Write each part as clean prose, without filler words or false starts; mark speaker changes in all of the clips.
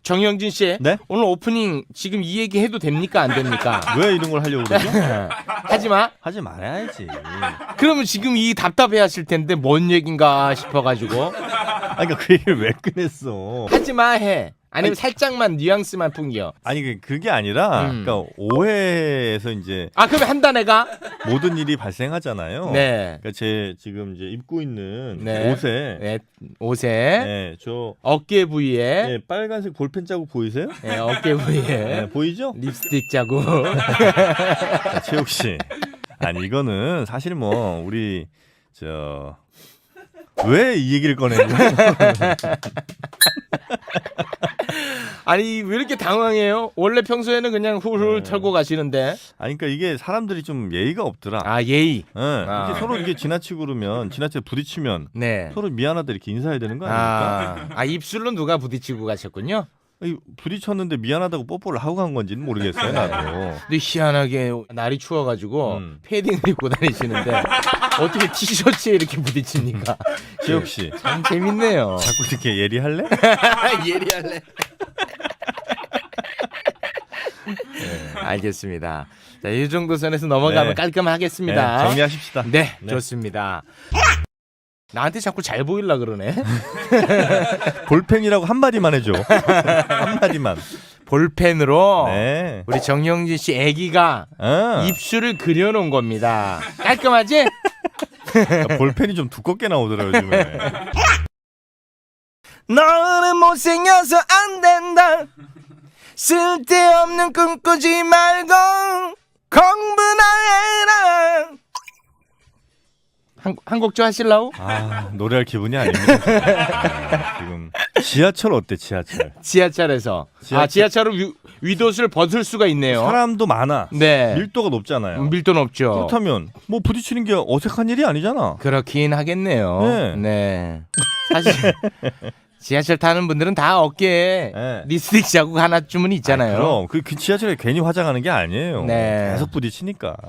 Speaker 1: 정영진 씨,
Speaker 2: 네?
Speaker 1: 오늘 오프닝 지금 이 얘기 해도 됩니까 안 됩니까?
Speaker 2: 왜 이런 걸 하려고 그러죠?
Speaker 1: 하지 마.
Speaker 2: 하지 말아야지.
Speaker 1: 그러면 지금 이 답답해하실 텐데 뭔 얘긴가 싶어가지고
Speaker 2: 아니 그러니까 그 얘기를 왜 꺼냈어?
Speaker 1: 하지 마 해. 아니면 살짝만 뉘앙스만 풍겨.
Speaker 2: 아니 그게 아니라 그러니까 오해에서 이제
Speaker 1: 그럼 한다 내가.
Speaker 2: 모든 일이 발생하잖아요.
Speaker 1: 네.
Speaker 2: 그러니까 제 지금 이제 입고 있는
Speaker 1: 네.
Speaker 2: 옷에
Speaker 1: 네. 옷에
Speaker 2: 네, 저
Speaker 1: 어깨 부위에
Speaker 2: 네, 빨간색 볼펜 자국 보이세요?
Speaker 1: 네, 어깨 부위에
Speaker 2: 네, 보이죠?
Speaker 1: 립스틱 자국.
Speaker 2: 자, 최욱 씨. 아니 이거는 사실 뭐 우리 저 왜 이 얘기를 꺼내는 거예요?
Speaker 1: 아니 왜 이렇게 당황해요? 원래 평소에는 그냥 훌훌
Speaker 2: 네.
Speaker 1: 털고 가시는데.
Speaker 2: 아니 그러니까 이게 사람들이 좀 예의가 없더라.
Speaker 1: 예의.
Speaker 2: 네.
Speaker 1: 아.
Speaker 2: 이렇게 서로 이게 지나치고 그러면 지나치게 부딪히면
Speaker 1: 네.
Speaker 2: 서로 미안하다 이렇게 인사해야 되는 거 아닙니까?
Speaker 1: 입술로 누가 부딪히고 가셨군요.
Speaker 2: 아니, 부딪혔는데 미안하다고 뽀뽀를 하고 간 건지는 모르겠어요 나도.
Speaker 1: 근데 희한하게 날이 추워가지고 패딩을 입고 다니시는데 어떻게 티셔츠에 이렇게 부딪힙니까?
Speaker 2: 지혁 씨
Speaker 1: 참 재밌네요.
Speaker 2: 자꾸 이렇게 예리할래?
Speaker 1: 예리할래. 알겠습니다. 자, 이 정도 선에서 넘어가면
Speaker 2: 네.
Speaker 1: 깔끔하겠습니다.
Speaker 2: 네, 정리하십시다.
Speaker 1: 네,
Speaker 2: 네.
Speaker 1: 좋습니다. 나한테 자꾸 잘 보이려 그러네.
Speaker 2: 볼펜이라고 한 마디만 해줘. 한 마디만.
Speaker 1: 볼펜으로
Speaker 2: 네.
Speaker 1: 우리 정영진 씨 아기가
Speaker 2: 아,
Speaker 1: 입술을 그려놓은 겁니다. 깔끔하지?
Speaker 2: 그러니까 볼펜이 좀 두껍게 나오더라고요 요즘에.
Speaker 1: 너는 못생겨서 안 된다. 쓸데없는 꿈 꾸지 말고 공부나 해라. 한 곡 좀 하실라고?
Speaker 2: 노래할 기분이 아닙니다. 지금 지하철 어때 지하철?
Speaker 1: 지하철에서 지하철은 위도수를 벗을 수가 있네요.
Speaker 2: 사람도 많아.
Speaker 1: 네.
Speaker 2: 밀도가 높잖아요.
Speaker 1: 밀도 높죠.
Speaker 2: 그렇다면 뭐 부딪히는 게 어색한 일이 아니잖아.
Speaker 1: 그렇긴 하겠네요.
Speaker 2: 네.
Speaker 1: 네. 사실 지하철 타는 분들은 다 어깨에
Speaker 2: 네.
Speaker 1: 립스틱 자국 하나쯤은 있잖아요.
Speaker 2: 그럼 그 지하철에 괜히 화장하는 게 아니에요.
Speaker 1: 네.
Speaker 2: 계속 부딪히니까.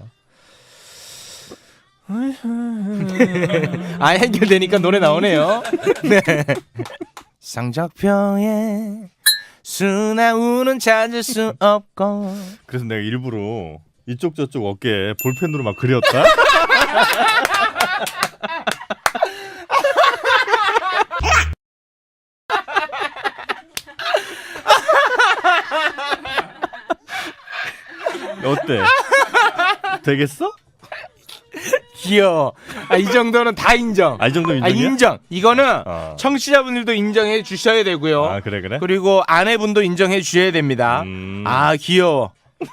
Speaker 1: 해결되니까 노래 나오네요. 네. 성적표에 수나우는 찾을 수 없고.
Speaker 2: 그래서 내가 일부러 이쪽 저쪽 어깨에 볼펜으로 막 그렸다. 어때? 되겠어?
Speaker 1: 귀여워. 이 정도는 다 인정.
Speaker 2: 이 정도 인정이야?
Speaker 1: 인정. 이거는 청취자분들도 인정해 주셔야 되고요.
Speaker 2: 그래?
Speaker 1: 그리고 아내분도 인정해 주셔야 됩니다. 귀여워.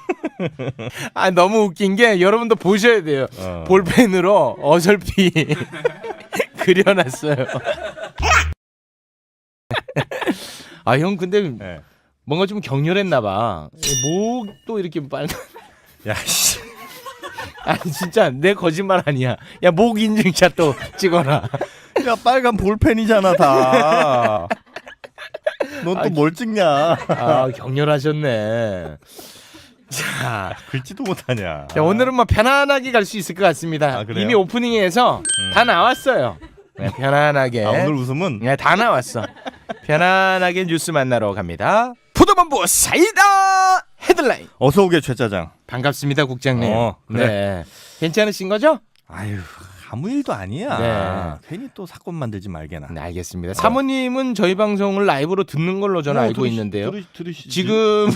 Speaker 1: 너무 웃긴 게 여러분도 보셔야 돼요. 볼펜으로 어설피 그려놨어요. 형 근데
Speaker 2: 네.
Speaker 1: 뭔가 좀 격렬했나 봐. 목도 이렇게 빨간.
Speaker 2: 야 씨.
Speaker 1: 진짜 내 거짓말 아니야. 야, 목 인증샷 또 찍어라.
Speaker 2: 야 빨간 볼펜이잖아 다. 넌 또 뭘 찍냐?
Speaker 1: 격렬하셨네. 자,
Speaker 2: 글지도 못하냐.
Speaker 1: 자, 오늘은 뭐 편안하게 갈 수 있을 것 같습니다.
Speaker 2: 그래요?
Speaker 1: 이미 오프닝에서 다 나왔어요. 네, 편안하게.
Speaker 2: 오늘 웃음은
Speaker 1: 네, 다 나왔어. 편안하게 뉴스 만나러 갑니다. 포도본부 사이다 헤드라인.
Speaker 2: 어서 오게 최짜장.
Speaker 1: 반갑습니다, 국장님.
Speaker 2: 그래.
Speaker 1: 네, 괜찮으신 거죠?
Speaker 2: 아유 아무 일도 아니야.
Speaker 1: 네.
Speaker 2: 괜히 또 사건 만들지 말게나.
Speaker 1: 네, 알겠습니다. 사모님은 저희 방송을 라이브로 듣는 걸로 저는 알고 있는데요.
Speaker 2: 들으시지.
Speaker 1: 지금은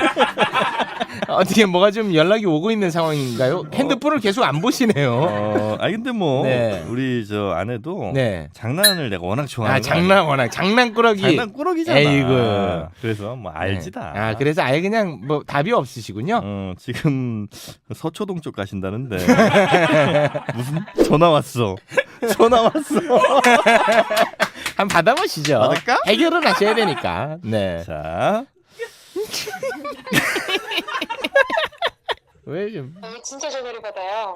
Speaker 1: 어떻게 뭐가 좀 연락이 오고 있는 상황인가요? 핸드폰을 계속 안 보시네요.
Speaker 2: 근데 뭐
Speaker 1: 네.
Speaker 2: 우리 저 아내도
Speaker 1: 네.
Speaker 2: 장난을 내가 워낙 좋아하는
Speaker 1: 장난꾸러기.
Speaker 2: 장난꾸러기잖아.
Speaker 1: 에이구.
Speaker 2: 그래서 뭐 알지다.
Speaker 1: 그래서 아예 그냥 뭐 답이 없으시군요.
Speaker 2: 지금 서초동 쪽 가신다는데 무슨 전화 왔어.
Speaker 1: 한번 받아보시죠.
Speaker 2: 받을까?
Speaker 1: 해결을 하셔야 되니까. 네.
Speaker 2: 자.
Speaker 1: 왜 좀?
Speaker 3: 진짜 전화를 받아요.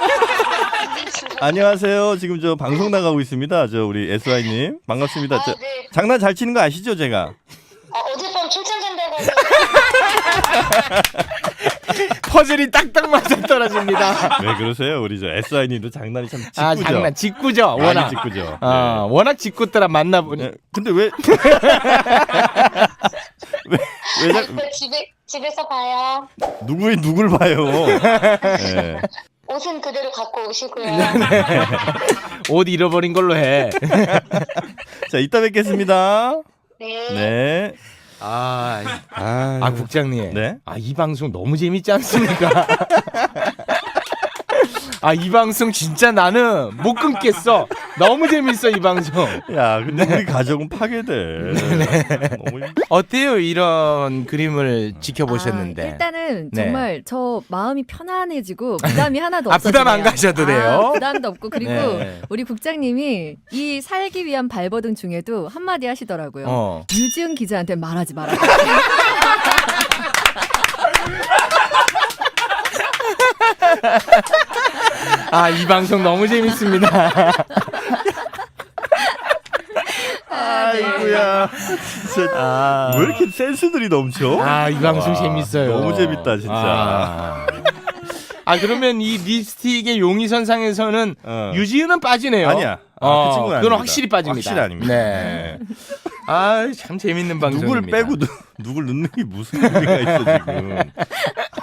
Speaker 2: 안녕하세요. 지금 저 방송 나가고 있습니다. 저 우리 SY님 반갑습니다. 저,
Speaker 3: 네.
Speaker 2: 장난 잘 치는 거 아시죠, 제가?
Speaker 3: 어젯밤 출장 간다고.
Speaker 1: 퍼즐이 딱딱 맞아 떨어집니다.
Speaker 2: 왜 그러세요? 우리 저 SY님도 장난이 참 짓궂죠.
Speaker 1: 장난 직구죠.
Speaker 2: 많이
Speaker 1: 워낙.
Speaker 2: 짓궂죠.
Speaker 1: 워낙 직구더라 만나보니.
Speaker 2: 네. 근데 왜
Speaker 3: 집에서 봐요.
Speaker 2: 누굴 봐요? 네.
Speaker 3: 옷은 그대로 갖고 오시고요.
Speaker 1: 옷 잃어버린 걸로 해.
Speaker 2: 자, 이따 뵙겠습니다.
Speaker 3: 네.
Speaker 2: 네.
Speaker 1: 국장님.
Speaker 2: 네.
Speaker 1: 이 방송 너무 재밌지 않습니까? 이 방송 진짜 나는 못 끊겠어. 너무 재밌어 이 방송.
Speaker 2: 야, 근데 우리 가족은 파괴돼. 너무
Speaker 1: 어때요 이런 그림을 지켜보셨는데?
Speaker 4: 일단은
Speaker 1: 네.
Speaker 4: 정말 저 마음이 편안해지고 부담이 하나도 없어요.
Speaker 1: 부담 안 가셔도 돼요.
Speaker 4: 부담도 없고 그리고
Speaker 1: 네.
Speaker 4: 우리 국장님이 이 살기 위한 발버둥 중에도 한마디 하시더라고요. 유지은 기자한테 말하지 마라.
Speaker 1: 이 방송 너무 재밌습니다.
Speaker 2: 아이고야. 진짜 왜 이렇게 센스들이 넘쳐?
Speaker 1: 이 방송 재밌어요.
Speaker 2: 너무 재밌다 진짜.
Speaker 1: 그러면 이 립스틱의 용의선상에서는 유지은은 빠지네요.
Speaker 2: 아니야. 그 친구는
Speaker 1: 그건
Speaker 2: 아닙니다.
Speaker 1: 확실히 빠집니다.
Speaker 2: 확실히 아닙니다.
Speaker 1: 네. 참 재밌는 방송입니다.
Speaker 2: 누굴 빼고 누굴 넣는 게 무슨 의미가 있어 지금.